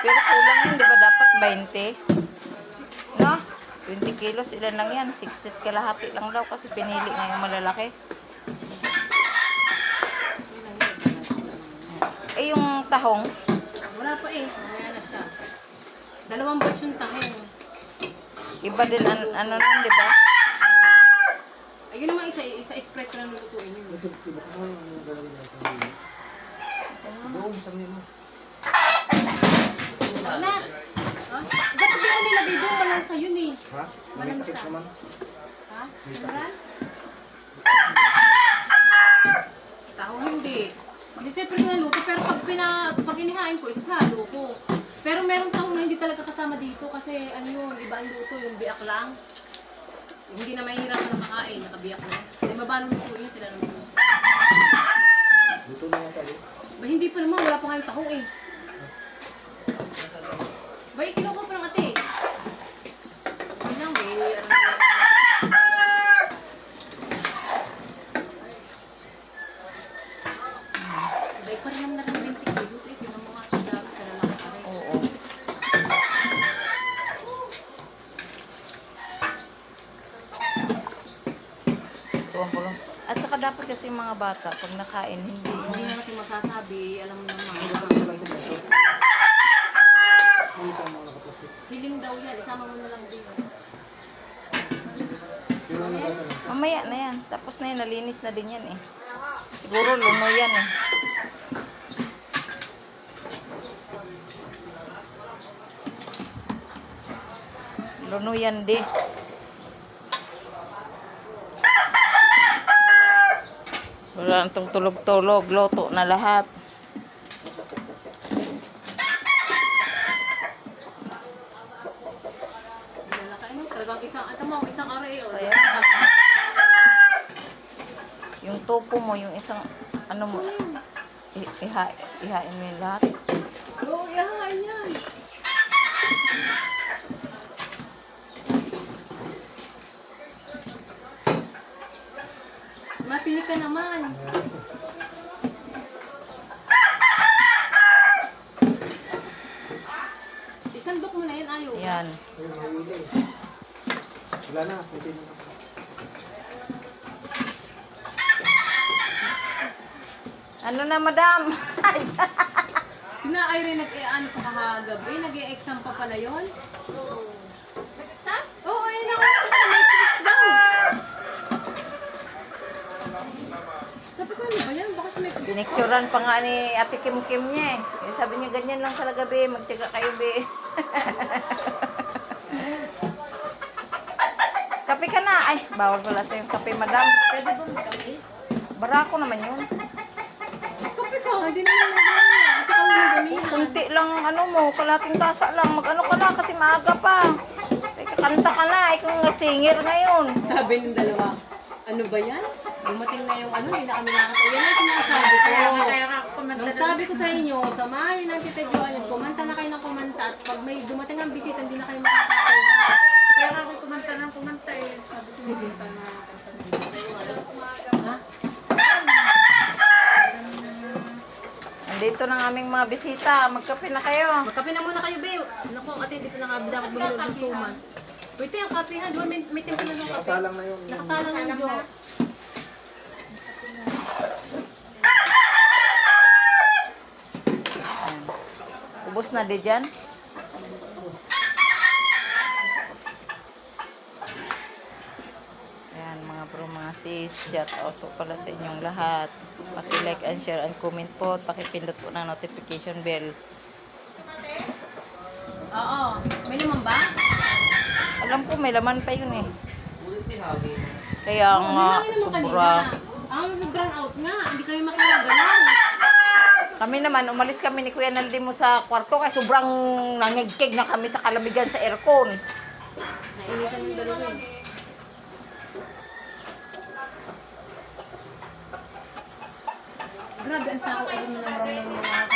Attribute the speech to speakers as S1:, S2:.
S1: Pero kulang yun, di ba? Dapat 20. No? 20 kilos, ilan lang yan? 60 kalahati lang daw kasi pinili na yung malalaki. Eh, yung tahong,
S2: Wala pa eh. Mamaya na siya. 2 batch yung tahin.
S1: iba din, ano nun, di ba?
S2: Ayun naman isa spread ko lang lutuin yun. Wala. Ha? Ba't di ko nilagay doon? Malansa yun eh.
S3: Ha?
S2: Malansa.
S3: naman.
S2: Ha? Meron? Taho hindi. Hindi siyempre ko naluto, pero pag inihain ko, isasalo ko. Pero meron taho na hindi talaga kasama dito kasi ano yun, iba ang luto, yung biak lang. Yung hindi na mahirap na makain, nakabiyak na. Hindi ba ba luto yun sila naman?
S3: Luto na yan tayo.
S2: Ba hindi pa naman, wala pa kayong taho eh. Ba, kinuha ko pa ng ate. Hindi lang, ba, ano na. Ba, pa rin naman na rin 20 kilos eh. Tinan mo nga siya dami sa lalaki pa rin.
S1: Oo. Tuwang-pulong. At saka dapat kasi yung mga bata, pag nakain,
S2: Hindi na natin masasabi, alam mo naman. Hiling daw yan, isama mo na lang din.
S1: mamaya na yan. Tapos na yan, nalinis na din yan eh. Siguro luno yan eh. Luno yan di. Wala nang tulog-tulog, loto na lahat.
S2: Lalaki mo, talagang isang aray o.
S1: Ayan. Yung topo mo, yung isang, ano mo, ihain mo yung lahat.
S2: Oo, ihahain yan. Matinig ka naman. Isandok mo na yan, ayaw.
S1: Ayan.
S3: Wala na. Pwede na.
S1: Ano na, madam?
S2: Sina Irene nag-ano pa kahagabi, nag-e-exam pa pala yun? Oo. Saan? Oo, ayun ako. May quiz daw. Sabi ko, ano ba yan? Baka siya may quiz.
S1: Pinicturan pa nga ni Ate Kim Kim niya eh. Sabi niya, ganyan lang talaga, be. Magtiyaga kayo, be. Kape ka na. Ay, bawal pala sa yung kape, madam.
S2: Pwede ba magkape?
S1: Barako naman yun.
S2: Kape ka, hindi naman nag-ano. At saka mo ganyan.
S1: Kunti lang, ano mo, kalating tasa lang. Mag-ano ka na kasi maaga pa. Ay, kakanta ka na. Ikaw nga singer ngayon.
S2: Sabi ng dalawa, ano ba yan? Dumating na yung ano, hindi na kami nakakatawa. Yan ang sinasabi ko. Nung sabi ko sa inyo, samahin ng Tita Joanne, kumanta na kayo ng kumanta at pag may dumating ang bisita, hindi na kayo makakatawa.
S4: Kaya ako kumanta ng kumanta eh.
S2: Sabi ko, kumanta na. Ha?
S1: Andito ng aming mga bisita. Magkape na kayo.
S2: Magkape na muna kayo, babe. Naku, ate, hindi pa dapat bumili ng suman. Wait, yung kape ha. Di ba may tempo na ng kape?
S3: Nakasalang na yun.
S2: Nakasalang na Jo.
S1: Ubus na di dyan. Ayan mga bro, mga sis. Shout out po pala sa inyong lahat. Paki-like and share and comment po. At pakipindot po ng notification bell.
S2: Oo. May naman ba?
S1: Alam ko may laman pa yun eh. Kaya nga, sobra.
S2: Ang brown out nga. Hindi kayo makilagalan.
S1: Kami naman, umalis kami ni Kuya Naldi mo sa kwarto kaya sobrang nangigkig na kami sa kalamigan sa aircon.
S2: Nainitan yung dalawa eh. Grabe, ang tao ko din ng mga